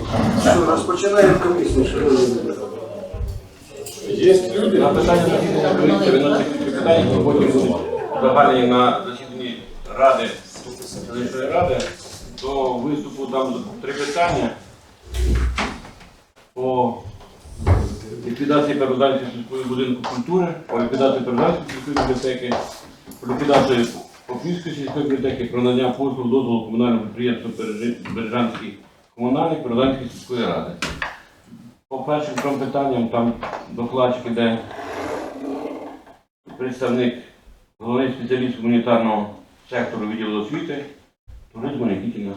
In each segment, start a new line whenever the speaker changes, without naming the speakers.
Що, розпочинаємо комісію.
Є люди.
На питання засідання комісії виносять питання, які потім будуть загальні на засіданні ради, селищної ради. До виступу там 3 питання по ліквідації Переозерської сільської будинку культури, по ліквідації Переозерської сільської бібліотеки, по ліквідації Попівської сільської бібліотеки, про надання послуг дозволу комунального підприємства Бережанський комунальник Переозерської сільської ради. По першим 3 питанням там докладчик іде представник, головний спеціаліст гуманітарного сектору відділу освіти, туризму Нікітіна.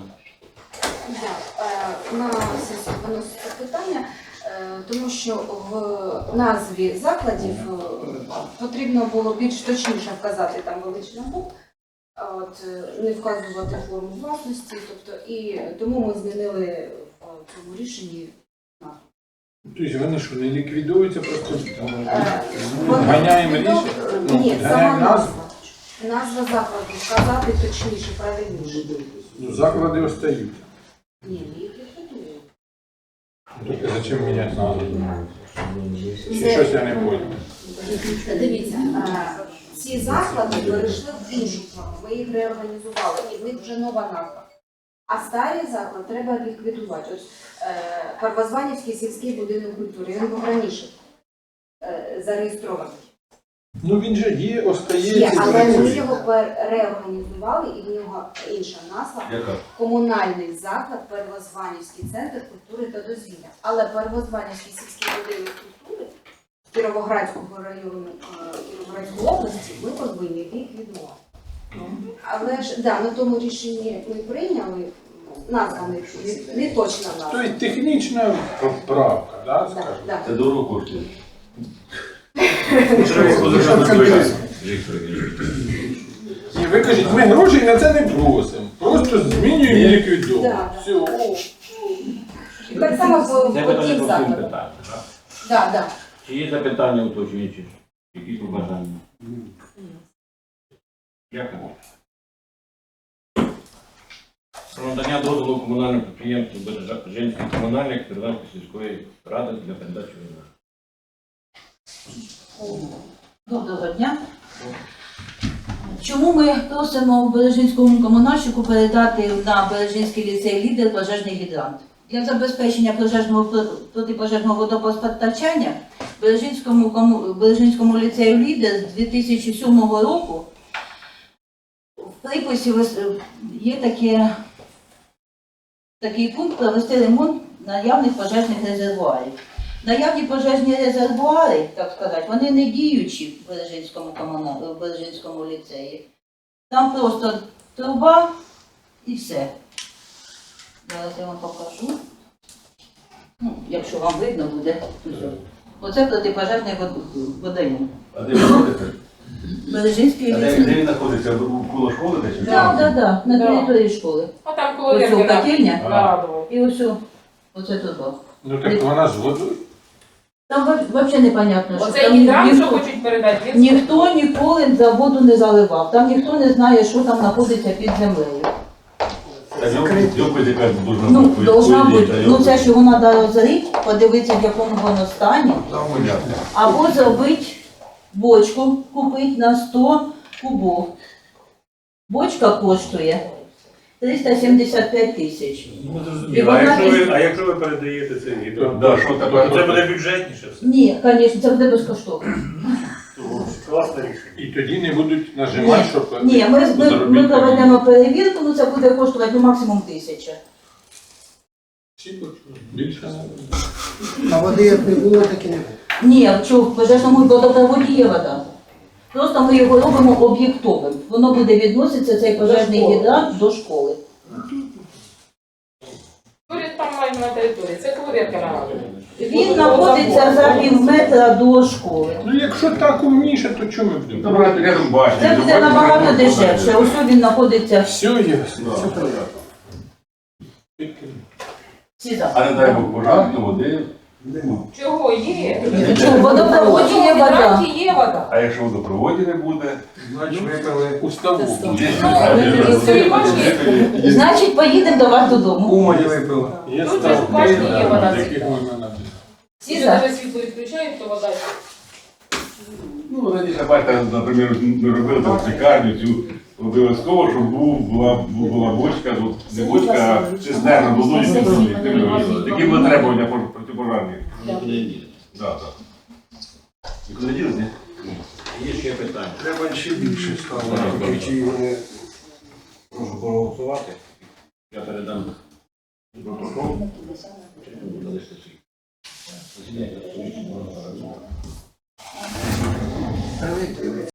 У нас виноситься питання, тому що в назві закладів потрібно було більш точніше вказати там величину букв, не вказувати форму власності, і тому ми змінили в цьому рішенні назву.
Тобто вони що, не ліквідуються, просто ганяємо рішення?
Ні, сама назва. Назва закладу вказати точніше, правильніше.
Ну, заклади остаються.
Ні, не їх ліквідує.
Тобто зачем міняти назву? Чи щось я не понял?
Дивіться, ці заклади перейшли в іншу форму, ми їх реорганізували, і в них вже нова назва. А старий заклад треба ліквідувати. Ось Первозванівський сільський будинок культури, він був раніше зареєстрований.
Ну він же є, остається.
Є, але ми його реорганізували, і в нього інша назва. Комунальний заклад Первозванівський центр культури та дозвілля. Але Первозванівський сільський будинок культури Кіровоградського району Кіровоградської області ми повинні ліквідувати. Але ж на тому рішенні ми прийняли, назва не точна назва.
Тобто технічна поправка, да, скажімо?
Да.
Це дорого коштує.
І ви кажете, ми грошей на це не просимо, просто змінюємо і ліквідуємо.
Да.
Все.
І так само
Це
по
питання
тим
по всім
закладам.
питанням, так?
Да.
Чи є запитання уточнюючі? Якісь побажання? Дякую. Про надання дозволу комунальному підприємству Бережанський комунальник Бережанської сільської ради для передачі війни.
Доброго дня. Чому ми просимо Бережинському комунальщику передати на Бережинський ліцей «Лідер» пожежний гідрант? Для забезпечення протипожежного водопостачання Бережинському ліцею «Лідер» з 2007 року в приписі є такий пункт провести ремонт наявних пожежних резервуарів. Наявні пожежні резервуари, так сказати, вони не діючі в Бережинському ліцеї. Там просто труба і все. Зараз я вам покажу. Ну, якщо вам видно буде. Оце протипожежний водойом.
А де ви знаходите?
Бережинський
А де
ліцей.
він знаходиться? Коло школи десь?
Так, на території школи.
А там коло
Ось
Віркіна.
котельня
Нарадово.
і оце труба.
Ну так вона з водою.
Там взагалі непонятно, що
Оце
там
гідрант, що хочуть передати.
ніхто ніколи за воду не заливав. Там ніхто не знає, що там знаходиться під землею.
Йопить яка должна
Ну,
бути.
должна бути. Ну це ж його треба розрити, подивитися, в якому воно стані,
Там понятно.
або зробити бочку, купити на 100 кубов. Бочка коштує 375 тисяч.
Ну,
І
зрозуміло.
вона
А якщо ви передаєте цей гідрант,
Да, що таке?
то це буде бюджетніше все.
Ні, звісно, це буде безкоштовно.
Класне рішення.
І тоді не будуть нажимати, щоб...
Ні, ми
заробити
проведемо перевірку, ну це буде коштувати максимум 1000.
Більше.
А води як не було, так і не було.
Ні, що в пожежному водопроводі є вода. Просто ми його робимо об'єктовим. Воно буде відноситися, цей пожежний гідрант, до школи.
Поряд там маємо на території. Це коло Віркіна.
Він знаходиться за пів метра до школи.
Ну якщо так умніше, то чому ми будемо?
Добре, рядом бачите.
Це буде набагато дешевше. Ось він знаходиться
Все ясно.
Все понятно.
всі за.
А не дай Бог пожар, то води.
Нема.
Чого є?
В водопроводі є вода.
Гідранті є вода.
А якщо водопроводі не буде,
Значить, випили уставу.
Ну, собі бачите,
Значить, поїдемо до вас додому.
Умані випили. Є
Тут же ж
ставки,
бачите, є вода
з яких
всегда.
можна набити.
Всі
якщо
за.
навіть світло відключають, то вода.
ну раніше, бачите, наприклад, ми робили там лікарню цю, обов'язково, щоб була бочка, ну, не бочка, а цистерна, водою, які були требування протипожарні. Да, так. Нікуди ділись, ні?
Є ще питання.
Треба ще більше ставити. Чи вони
Прошу проголосувати. Я передам протокол. Засідання.